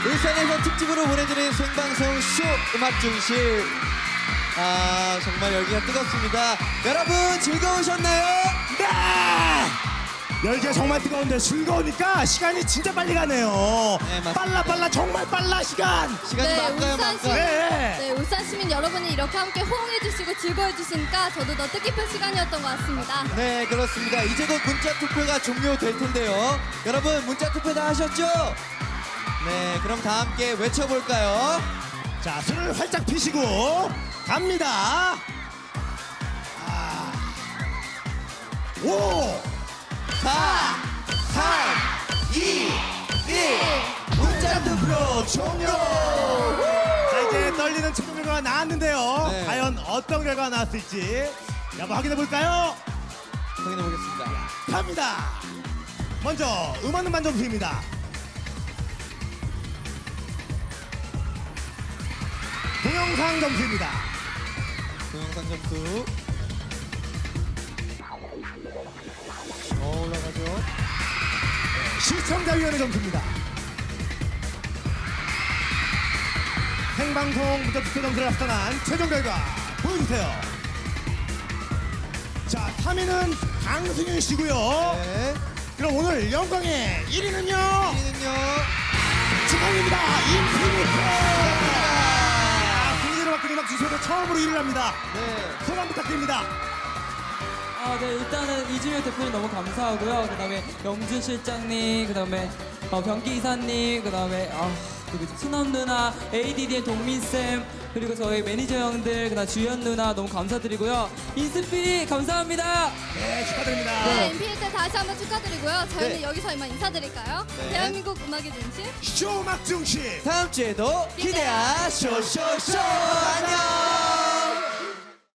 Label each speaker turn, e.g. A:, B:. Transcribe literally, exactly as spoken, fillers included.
A: 울산에서 특집으로 보내드린 생방송 쇼 음악 중심. 아, 정말 열기가 뜨겁습니다. 여러분 즐거우셨나요?
B: 네! 열기가 정말 뜨거운데 즐거우니까 시간이 진짜 빨리 가네요.
A: 네, 맞습니다.
B: 빨라 빨라 정말 빨라 시간.
A: 시간이
C: 네,
A: 막가요
C: 울산 시-
A: 막가.
B: 네.
C: 네, 울산 시민 여러분이 이렇게 함께 호응해주시고 즐거워해주시니까 저도 더 뜻깊은 시간이었던 것 같습니다.
A: 네, 그렇습니다. 이제 곧 문자 투표가 종료될 텐데요. 여러분 문자 투표 다 하셨죠? 네, 그럼 다 함께 외쳐볼까요?
B: 자, 술을 활짝 피시고 갑니다. 아. 오,
A: 사, 삼, 이, 일. 문자 투표 종료.
B: 자 이제 떨리는 최종 결과가 나왔는데요.
A: 네.
B: 과연 어떤 결과가 나왔을지 한번 확인해 볼까요?
A: 확인해 보겠습니다.
B: 갑니다. 먼저 음악 음반 점수입니다. 동영상 점수입니다.
A: 동영상 점수. 어, 올라가죠.
B: 시청자위원회 점수입니다. 생방송 문자 투표 점수를 합산한 최종 결과 보여주세요. 자, 삼 위는 강승윤 씨고요.
A: 네.
B: 그럼 오늘 영광의 일 위는요.
A: 우리는요.
B: 축하드립니다. 인피니트. 아, 국민으로 바뀐 음악 주소로 처음으로 일 위를 합니다.
A: 네.
B: 소감 부탁드립니다.
D: 아, 네, 일단은 이준혁 대표님 너무 감사하고요. 그 다음에 영준 실장님, 그 다음에 어, 변기 이사님, 그 다음에 아, 누구지? 수남 누나, 에이디디의 동민쌤, 그리고 저희 매니저 형들, 그 다음 주연 누나 너무 감사드리고요. 인스피 감사합니다.
B: 네, 축하드립니다.
C: 네, 인피니트 다시 한번 축하드리고요. 저희는
A: 네.
C: 여기서 이만 인사드릴까요?
A: 네.
C: 대한민국 음악의 중심.
B: 쇼 음악 중심.
A: 다음 주에도 기대하 쇼쇼쇼.